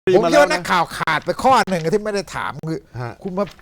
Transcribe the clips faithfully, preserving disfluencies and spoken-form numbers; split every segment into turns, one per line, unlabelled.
ผมคิดว่านักข่าวขาดไปข้อหนึ่งที่ไม่ได้ถามคือคุณมา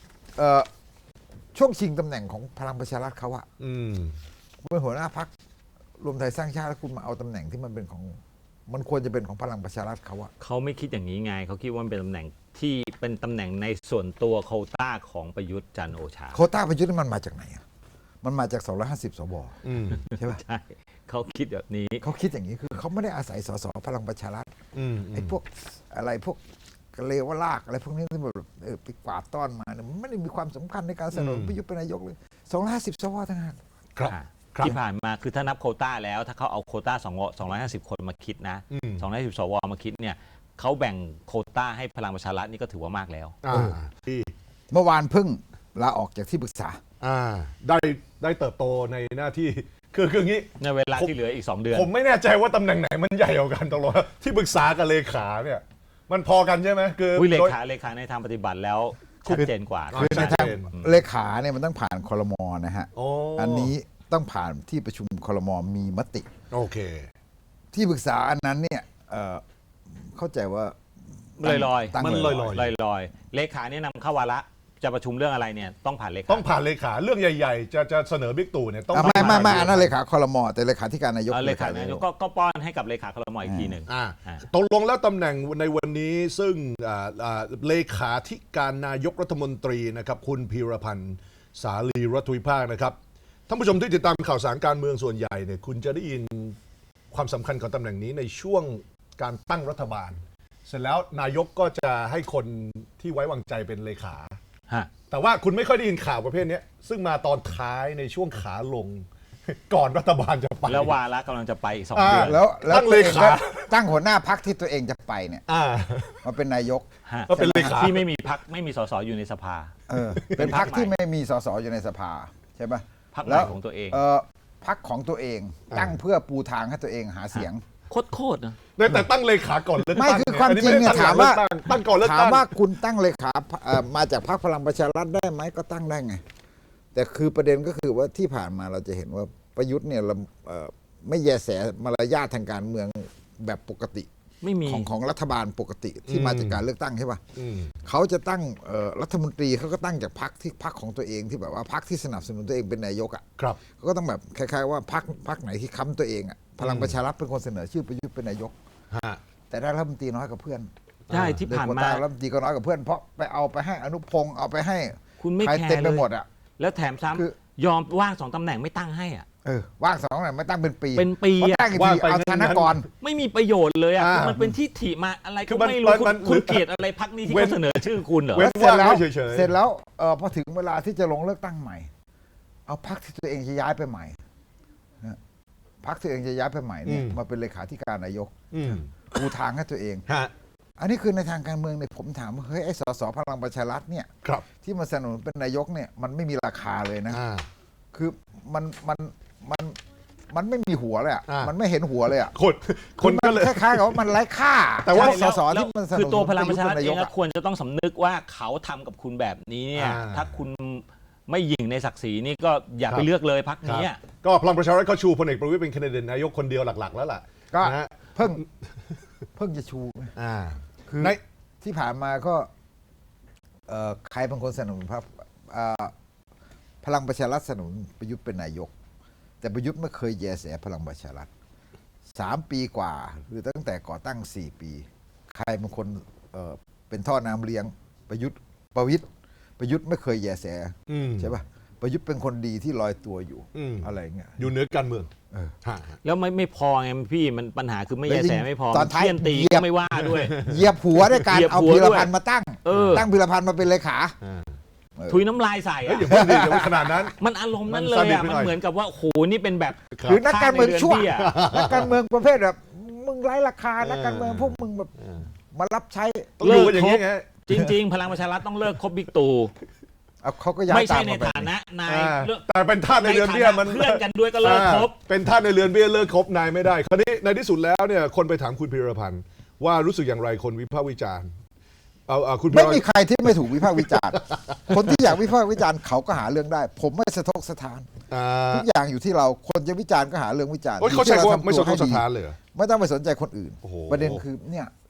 ช่วงชิงตำแหน่งของพลังประชารัฐเขาอะคุณเป็นหัวหน้าพรรครวมไทยสร้างชาติแล้วคุณมาเอาตำแหน่งที่มันเป็นของมันควรจะเป็นของพลังประชารัฐเขาอะ
เขาไม่คิดอย่างนี้ไงเขาคิดว่ามันเป็นตำแหน่งที่เป็นตำแหน่งในส่วนตัวโควต้าของประยุทธ์จันทร์โอชา
โควต้าประยุทธ์มันมาจากไหนอะมันมาจากสองร้อยห้าสิบสวใช่ไหม
ใช่เขาคิดแบบนี้
เขาคิดอย่างนี้คือเขาไม่ได้อาศัยสสพลังประชารัฐไอ้พวกอะไรพวกเลวลากอะไรพวกนี้ที่แบบไปกวาดต้อนมาเนี่ยมันไม่ได้มีความสำคัญในการเสนอประยุทธ์เป็นนายกเลยสองร้อยห้าสิบสวทั้งนั้น
ครับที่ผ่านมาคือถ้านับโควต้าแล้วถ้าเขาเอาโควต้าสองร้อยห้าสิบคนมาคิดนะสองร้อยห้าสิบสวมาคิดเนี่ยเขาแบ่งโควต้าให้พลังประชารัฐนี่ก็ถือว่ามากแล้ว
เมื่อวานเพิ่งลาออกจากที่ปรึกษา
ได้ได้เติบโตในหน้าที่คือคืออย่างนี้
ในเวลาที่เหลืออีกสองเดือน
ผมไม่แน่ใจว่าตำแหน่งไหนมันใหญ่กว่ากันตลอดที่ปรึกษากับเลขาเนี่ยมันพอกันใช่ไหมคือ
เลขาเลขาในทางปฏิบัติแล้วชัดเจนกว่า
คือในทางเลขาเนี่ยมันต้องผ่านครม.นะฮะอันนี้ต้องผ่านที่ประชุมครม.มีมติ
โอเค
ที่ปรึกษาอันนั้นเนี่ยเข้าใจว่า
ลอยลอย
มันลอยล
อยลอยเลขาเนี่ยนำเข้าวาระจะประชุมเรื่องอะไรเนี่ยต้องผ่านเลขา
ต้องผ่านเลขาเรื่องใหญ่ๆจะจะเสนอบิ๊กตู่เนี่ยต้อง
ไม่ไม่ไม่อันนั้นเลขาครม.แต่เลขาธิการนายก
เลขานายกก็ป้อนให้กับเลขาครม.อีกทีหนึ่ง
ตกลงแล้วตำแหน่งในวันนี้ซึ่งเลขาธิการนายกรัฐมนตรีนะครับคุณพีรพันธ์สาลีรัฐวิภาคนะครับท่านผู้ชมที่ติดตามข่าวสารการเมืองส่วนใหญ่เนี่ยคุณจะได้ยินความสำคัญของตำแหน่งนี้ในช่วงการตั้งรัฐบาลเสร็จแล้วนายกก็จะให้คนที่ไว้วางใจเป็นเลขาแต่ว่าคุณไม่ค่อยได้ยินข่าวประเภทนี้ซึ่งมาตอนท้ายในช่วงขาลงก่อนรัฐบาลจะไป
แล้ววาระกำลังจะไปอีกสองเดือน
แล้วตั้งเลขาตั้งหัวหน้าพรรคที่ตัวเองจะไปเนี่ยมาเป็นนายก
ก็เป็นเลขาที่ไม่มีพรรคไม่มีสสอยู่ในสภา
เป็นพรรคที่ไม่มีสสอยู่ในสภาใช่ไหม
พรรคใหม่ของตัวเอง
พรรคของตัวเองตั้งเพื่อปูทางให้ตัวเองหาเสียง
โคตรๆนะ
แต่ตั้งเลขาก่อนเลือกตั้ง
ไม่คือความจริงเนี่ยถามว่า
ตั้งก่อนเลือกตั้ง
ถามว่าคุณตั้งเลขามาจากพรรคพลังประชารัฐได้ไหมก็ตั้งได้ไงแต่คือประเด็นก็คือว่าที่ผ่านมาเราจะเห็นว่าประยุทธ์เนี่ยไม่แยแสมารยาททางการเมืองแบบปกติ
ไม่มี
ของของรัฐบาลปกติที่มาจากการเลือกตั้งใช่ป่ะเขาจะตั้งรัฐมนตรีเขาก็ตั้งจากพรรคที่พรรคของตัวเองที่แบบว่าพรรคที่สนับสนุนตัวเองเป็นนายกอ่ะเขาก็ต้องแบบคล้ายๆว่าพรรคพรรคไหนที่ค้ำตัวเองอ่ะพลังประชารัฐเป็นคนเสนอชื่อประยุทธ์เป็นนายกแต่ได้รัฐมนตรีน้อยกับเพื่อน
ใช่ที่ผ่านมา
รัฐมนตรีก็น้อยกับเพื่อนเพราะไปเอาไปให้อนุพงศ์เอาไปให้
คุณไม่แคร์
เต็มไปหมดอ่ะ
แล้วแถมซ้ำยอมว่างสองตำแหน่งไม่ตั้งให้อ่ะ
เออว่างสองตำแหน่งไม่ตั้งเป็นปี
เป็นปี
ตั้งอีกทีเอาธนากร
ไม่มีประโยชน์เลยอ่ะมันเป็นที่ถีมาอะไรก็ไม่รู้คุณเกลียดอะไรพรรคนี้ที่เขาเสนอชื่อคุณเหรอ
เสร็จแล้วเสร็จแล้วเออพอถึงเวลาที่จะลงเลือกตั้งใหม่เอาพรรคที่ตัวเองจะย้ายไปใหม่พรรคตัวเองจะย้ายไปใหม่เนี่ยมาเป็นเลขาธิการนายกปูทางให้ตัวเองอันนี้คือในทางการเมืองเนี่ยผมถามว่าเฮ้ยไอ้สสพลังประชารัฐเนี่ยที่มาสนับสนุนเป็นนายกเนี่ยมันไม่มีราคาเลยนะคือมันมันมันมันไม่มีหัวเลยอ่ะมันไม่เห็นหัวเลยอ่ะ
คนคนก็เลย
คล้ายๆกับว่ามันไร้ค่า
แต่ว่าสสที่มันคือตัวพลังประชารัฐเองควรจะต้องสำนึกว่าเขาทำกับคุณแบบนี้เนี่ยถ้าคุณไม่หยิ่งในศักดิ์ศรีนี่ก็อย่าไปเลือกเลยพรรคนี้
ก็พลังประชารัฐเขาชูพลเอกประวิตรเป็นแคนดิเดตนายกคนเดียวหลักๆแล้วล่ะ
ก็เพิ่งเพิ่งจะชูคือที่ผ่านมาก็ใครบางคนสนับสนุนพรรคพลังประชารัฐสนับสนุนประยุทธ์เป็นนายกแต่ประยุทธ์ไม่เคยแยแสพลังประชารัฐสามปีกว่าหรือตั้งแต่ก่อตั้งสี่ปีใครบางคนเอ่อเป็นท่อน้ำเลี้ยงประยุทธ์ประวิตรประยุทธ์ไม่เคยแยแสใช่ป่ะประยุทธ์เป็นคนดีที่ลอยตัวอยู่อะไรเงี้ย
อยู่เหนือการเมือง
แล้วไม่ไม่พอไงพี่มันปัญหาคือไม่แยแสไม่พอ
ตอนท้าย
ตีก็ไม่ว่าด้วย
เหยียบหัวด้วยการเอาพีรพันธ์มาตั้งตั้งพีรพันธ์มาเป็นเลขา
ถุยน้ำลายใส่อะ
อย่าพูดดิอย่าพูดขนาดนั้น
มันอารมณ์นั้นเลยอะมันเหมือนกับว่าโหนี่เป็นแบบ
หรือนักการเมืองชั่วนักการเมืองประเภทแบบมึงไร้ราคานักการเมืองพวกมึงแบบมารับใช้
เลิกอย่างนี้ไง
จริงๆพลังประชารัฐต้องเลิกคบบิ๊กตู่
เขาก็ย้าย
ไม่ใช่ในฐานะนาย
แต่เป็นท่านในเรือนเบี้ยมัน
เพื่อนกันด้วยก็เลิกคบ
เป็นท่านในเรือนเบี้ยเลิกคบนายไม่ได้คราวนี้ในที่สุดแล้วเนี่ยคนไปถามคุณพีรพันธ์ว่ารู้สึกอย่างไรคนวิพากษ์วิจารณ์
ไม่มีใครที่ไม่ถูกวิพากษ์วิจารณ์คนที่อยากวิพากษ์วิจารณ์เขาก็หาเรื่องได้ผมไม่สะทกสะท้านทุกอย่างอยู่ที่เราคนจะวิจารณ์ก็หาเรื่องวิจารณ์
เขาใช้คำว่าไม่สะทกสะท้านเลย
ไม่ต้องไปสนใจคนอื่นประเด็นคือเนี่ย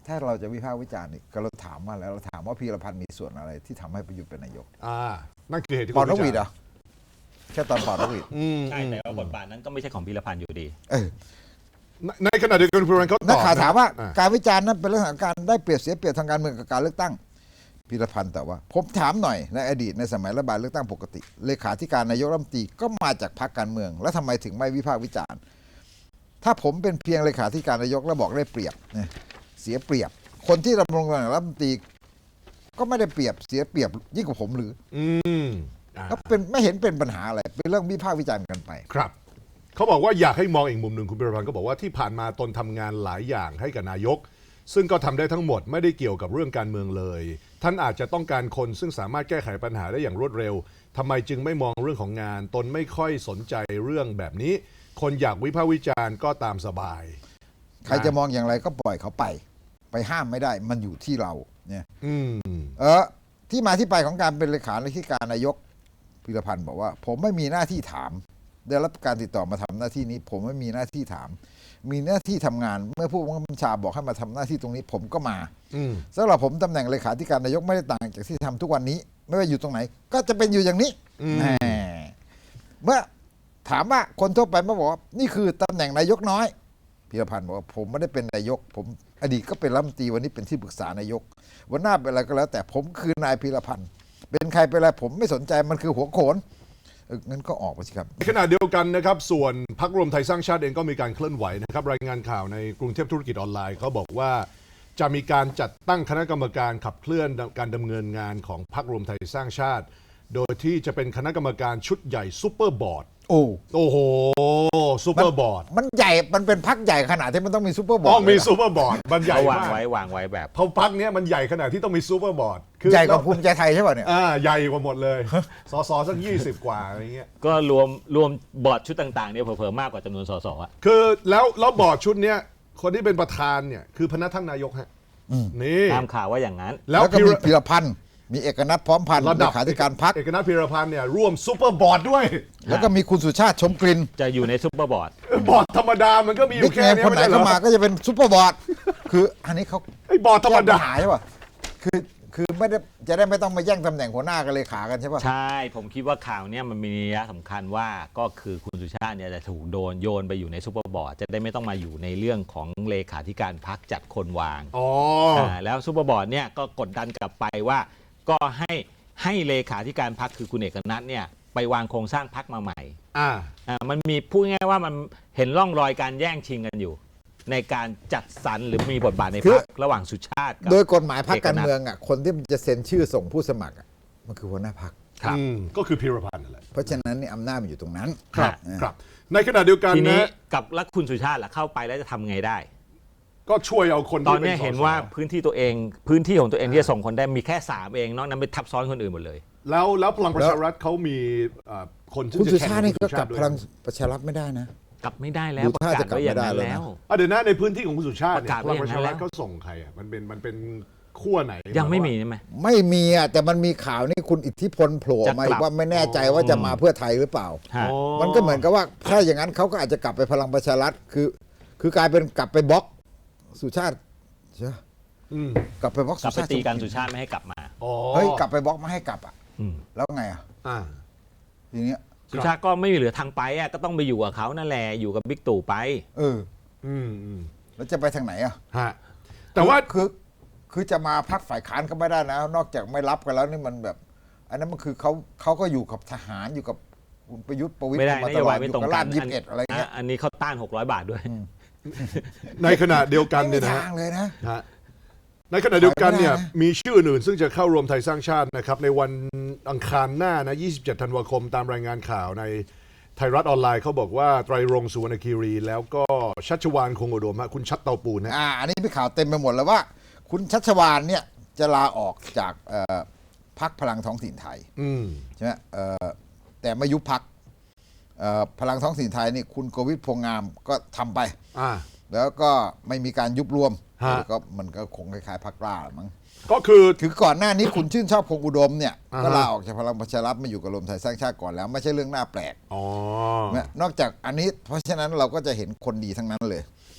ถ้าเราจะวิพากษ์วิจารณ์นี่ก็เราถามว่าแล้วเราถามว่าพีรพันธ์มีส่วนอะไรที่ทำให้ประยุทธ์เป็นนายก
อ่านั่นคือเหตุที่
เป่าน
คุณ
กหวีด
วิ
เหร
จาร
อ
ณ์
แค่ตอนเป่านกหวีด
อืม
ใช่แต่ว่าบทบาทนั้นก็ไม่ใช่ของพีรพันธ์อยู่ดี
เออ
ในในขณะเดียวกันคุณพิรพันธ์เขาต
นัก
อบ
ข่าวถามว่า
อ่
การวิจารณ์นั้นเป็นเรื่องของการได้เปรียบเสียเปรียบทางการเมืองกับการเลือกตั้งพีรพันธ์แต่ว่า ผมถามหน่อยในอดีตในสมัยรัฐบาลเลือกตั้งปกติเลขาธิการนายกรัฐมนตรีก็มาจากพรรคการเมือง แล้วทำไมถึงไม่วิพากษ์วิจารณ์ถ้าผมเป็นเพียงเลขาธิการนายกแล้วบอกได้เปรียบเนี่ยเสียเปรียบ คนที่ดำรงตำแหน่งรัฐมนตรีก็ไม่ได้เปรียบเสียเปรียบยิ่งกว่าผมหรือ
อืมอ่า
ก็เป็นไม่เห็นเป็นปัญหาอะไรเป็นเรื่องวิพากษ์วิจารณ์กันไป
ครับเขาบอกว่าอยากให้มองอีกมุมหนึ่งคุณพิรพันธ์ก็บอกว่าที่ผ่านมาตนทำงานหลายอย่างให้กับนายก ซึ่งก็ทำได้ทั้งหมดไม่ได้เกี่ยวกับเรื่องการเมืองเลย ท่านอาจจะต้องการคนซึ่งสามารถแก้ไขปัญหาได้อย่างรวดเร็วทำไมจึงไม่มองเรื่องของงาน ตนไม่ค่อยสนใจเรื่องแบบนี้ คนอยากวิพากษ์วิจารณ์ก็ตามสบาย
ใครจะมองอย่างไรก็ปล่อยเขาไป ไปห้ามไม่ได้มันอยู่ที่เราเนี่ย
อืม
เออที่มาที่ไปของการเป็นเลขาธิการนายกพีรพันธ์บอกว่า ผมไม่มีหน้าที่ถามได้รับการติดต่อมาทำหน้าที่นี้ ผมไม่มีหน้าที่ถาม มีหน้าที่ทำงานเมื่อผู้บัญชาบอกให้มาทำหน้าที่ตรงนี้ ผมก็มา
อืม
สำหรับผมตำแหน่งเลขาธิการนายกไม่ได้ต่างจากที่ทำทุกวันนี้ ไม่ว่าอยู่ตรงไหน ก็จะเป็นอยู่อย่างนี้
อืม
แหมเมื่อถามว่าคนทั่วไปมาบอกว่านี่คือตำแหน่งนายกน้อยพีรพันธ์บอกว่าผมไม่ได้เป็นนายก ผมอดีตก็เป็นรัฐมนตรีวันนี้เป็นที่ปรึกษานายก วันหน้าเป็นอะไรก็แล้ว แต่ผมคือนายพีรพันธ์เป็นใครเป็นอะไรผมไม่สนใจมันคือหัวโขนเอองั้นก็ออกไปสิครับ
ในขณะเดียวกันนะครับส่วนพรรครวมไทยสร้างชาติเองก็มีการเคลื่อนไหวนะครับรายงานข่าวในกรุงเทพธุรกิจออนไลน์เขาบอกว่าจะมีการจัดตั้งคณะกรรมการขับเคลื่อนการดำเนินงานของพรรครวมไทยสร้างชาติ โดยที่จะเป็นคณะกรรมการชุดใหญ่ซูเปอร์บอร์ด
โอ้
โอ้โหซูเปอร์บอร์ด
มันใหญ่มันเป็นพักใหญ่ขนาดที่มันต้องมีซูเปอร์บอร์
ต้
ด
องมี
เลยนะ
ซูเปอร์บอร์ดมันใหญ่
เขาวาง
มาก
ไว้วางไว้แบบ
เพราะพรรคเนี้ยมันใหญ่ขนาดที่ต้องมีซูเปอร์บอร์ดคือ
ใหญ่กว่าภูมิใจไทยใช่ป่ะเนี่ย
อ่าใหญ่กว่าหมดเลยสสสักยี่สิบกว่าอะไรเงี้ย
ก็รวมรวมบอร์ดชุดต่างๆเนี่ยเผลอๆมากกว่าจำนวนสสอ่ะ
คือแล้วแล้วบอร์ดชุดเนี้ยคนที่เป็นประธานเนี่ยคือพนักท่านนายกฮะนี่
ตามข่าวว่าอย่างนั้น
แล้ว
แล้วก็
พี
มี
ร
พีรพันธ์มีเอกนัทพร้อมพันธ์
ระ
เล
ดับ
ขาธิการพรรค
เอกนัทพีรพันธ์เนี่ยร่วมซูเปอร์บอร์ดด้วย
แล้วก็มีคุณสุชาติชมกลิ่น
จะอยู่ในซุปเปอร์บอร์ด
บอร์ดธรรมดามันก็มีอ
บิ๊
ยู่
ก
แค่
เนม
เนี้ย
คนไหน
ไม่ใช่เหร
เข้า
อ
มาก็จะเป็นซูเปอร์บอร์ดคืออันนี้เขา
ไอ้บอร์ดธรรมดา
แก้ปัญหาใช่ป่ะคือคือไม่ได้จะได้ไม่ต้องมาแย่งตำแหน่งหัวหน้ากันเลขากันใช่ป่ะ
ใช่ผมคิดว่าข่าวเนี้ยมันมีนัยสำคัญว่าก็คือคุณสุชาติเนี่ยจะถูกโดนโยนไปอยู่ในซุปเปอร์บอร์ดจะได้ไม่ต้องมาอยู่ในเรื่องของเลขาธิการพรรคจัดคนวาง
อ๋อ
อ่าแล้วซุปเปอร์บอร์ดเนี่ยก็กดดันกลับไปว่าก็ให้ให้เลขาธิการพรรคคือคุณเอกนัทเนี่ยไปวางโครงสร้างพรรคมาใหม่
อ่า
อ่ามันมีพูดง่ายๆว่ามันเห็นร่องรอยการแย่งชิงกันอยู่ ในการจัดสรรหรือมีบทบาทในพรรคระหว่างสุชาติกับ
โดยกฎหมายพรรคการเมืองอ่ะคนที่มันจะเซ็นชื่อส่งผู้สมัครอ่ะมันคือหัวหน้าพรรค
ครับ
อืมก็คือพีรพันธ์นั่นแหละ
เพราะฉะนั้นนี่อำนาจมันอยู่ตรงนั้น
ครับ
อ่า
ครับ ในขณะเดียวกัน
ทีนี้
นะ
กับแล้วคุณสุชาติล่ะเข้าไปแล้วจะทำไงได้
ก็ช่วยเอาคน
ตอ
ที่
น
เป็น
เนี้ย
สส
เห็นว่าพื้นที่ตัวเองพื้นที่ของตัวเองที่จะส่งคนได้มีแค่สามเองนอกนั้นไปทับซ้อนคนอื่นหมดเลย
แล้วแล้วพลังประชารัฐเขามีเอ่อคนที่
คุณ
จะ
สุ
แข่ง
ชาตินี่ก็
คุณสุ
กลับ
ด้วย
พลังประชารัฐไม่ได้นะ
กลับไม่ได้แล้ว
ดู
ประ
ท่าก
าศ
จะกลับ
ไว้อย่างนั้น
ไม่ได้เลยนะ
แล้ว
อ่ะเดี๋ยวนะในพื้นที่ของคุณสุชาติ
ประ
เนี่ย
กาศ
พ
ไว้
ลัง
อ
ป
ย่าง
ระ
นั้
ชาน
แล้ว
รัฐเขาส่งใครอ่ะมันเป็นมันเป็นขั้วไหน
ยังไม่มีใช่ไหม
ไม่มีอ่ะแต่มันมีข่าวนี่คุณอิทธิพลโผล่ออกมา
จะ
อี
กลับ
กว่าไม่แน่ใจว่าจะมาเพื่อไทยหรือเปล่า
ฮะ
อ๋อ
มันก็เหมือนกับว่าถ้าอย่างนั้นเขาก็อาจจะกลับไปพลังประชารัฐคือ คือกลายเป็นกลับไปบล็อกสุชาติใช่ไหม
อืม
กลับไปบล็อก
กลับ
สุ
ไป
ชาติ
ตีกันสุชาติไม่ให้กลับมา
อ๋อ
เฮ้ยกลับไปบล็อกไม่ให้กลับอ่ะ
อืม
แล้วไงอ่ะ
อ่า
ทีเนี้ย
สุชาติก็ไม่มีเหลือทางไปอ่ะก็ต้องไปอยู่กับเขานั่นแหละอยู่กับบิ๊กตู่ไป
เออ
อืมอืม
แล้วจะไปทางไหนอ่ะ
ฮะแต่ว่า
คือคือจะมาพักฝ่ายค้านก็ไม่ได้นะ นอกจากไม่รับกันแล้วนี่มันแบบ อันนั้นมันคือเขาเขาก็อยู่กับทหารอยู่กับคุณประยุทธ์ประวิตร
ไม่ได้
มาน ต
โย
ลอด
บาย
อ
ไม่
ยู่
ตรง
กับ
กั
ราน บยี่สิบเอ็ดอะไรเงี้ย
อ่ะอันนี้เขาต้านหกร้อยบาทด้วย
ในขณะเดียวกัน
ไม่มี
เนี่ยนะ
ทางเลยนะ
ฮะในขณะเดียวกันเนี่ย
ไปไม่ได้นะ
มีชื่ออื่นซึ่งจะเข้ารวมไทยสร้างชาตินะครับในวันอังคารหน้านะยี่สิบเจ็ดธันวาคมตามรายงานข่าวในไทยรัฐออนไลน์เขาบอกว่าไตรรงค์สุวรรณคีรี แล้วก็ชัชวาลคงอุดมฮะคุณชัดเตาปูนนะ
อ่าอันนี้มีข่าวเต็มไปหมดแล้วว่า คุณชัชวาลเนี่ยจะลาออกจากเอ่อพรรคพลังท้องถิ่นไทย
อืม
ใช่ไหมเอ่อแต่ไม่ยุบพรรคเอ่อพลังท้องถิ่นไทยนี่คุณโกวิทพงษ์งามก็ทำไป
อ่า
แล้วก็ไม่มีการยุบรวม
ฮะ
ก็มันก็คงคล้ายๆพรรคกล้าละมั้ง
ก็คือ
คือก่อนหน้านี้คุณชื่นชอบคงอุดมเนี่ย
อ่าฮะ
ก็ลาออกจากพลังประชารัฐมาอยู่กับรวมไทยสร้างชาติก่อนแล้ว ไม่ใช่เรื่องน่าแปลก
อ๋อ
นะนอกจากอันนี้เพราะฉะนั้นเราก็จะเห็นคนดีทั้งนั้นเลย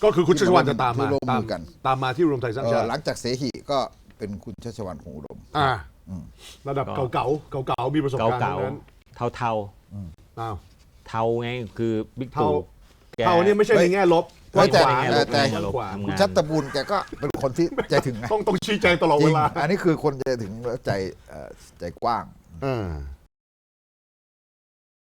ก็คือคุณชัชวาลจะตามมา
ที่ร่วม
ตาม
มือกัน
ตามมาที่รวมไทยสร้าง
เอ่
ชา
อ
ติ
หลังจากเสหิก็เป็นคุณชัชวาลคงอุดม
อ่า
อืม
ระดับ
ก็
เก่าๆเก่าๆมีประสบการณ์
เก่า
ทั้งนั้น
ๆเทาเทา
อ้าว
ๆเทาไงคือบิ๊ก
เทา
ตู่แก
เท่านี่ไม่ใช่ในแง่ลบ
เฮ้ยแต่
กว้างขวาง
แต่แต่
กว้างขวาง
ทำ
คุณ
งาน
ชัตตบูลแกก็เป็นคนที่ใจถึงนะ
ต้องต้องชี้แจงตลอด
จริ
เว
ง
ลา
อันนี้คือคนใจถึงและใจเอ่อใจกว้าง
อ่า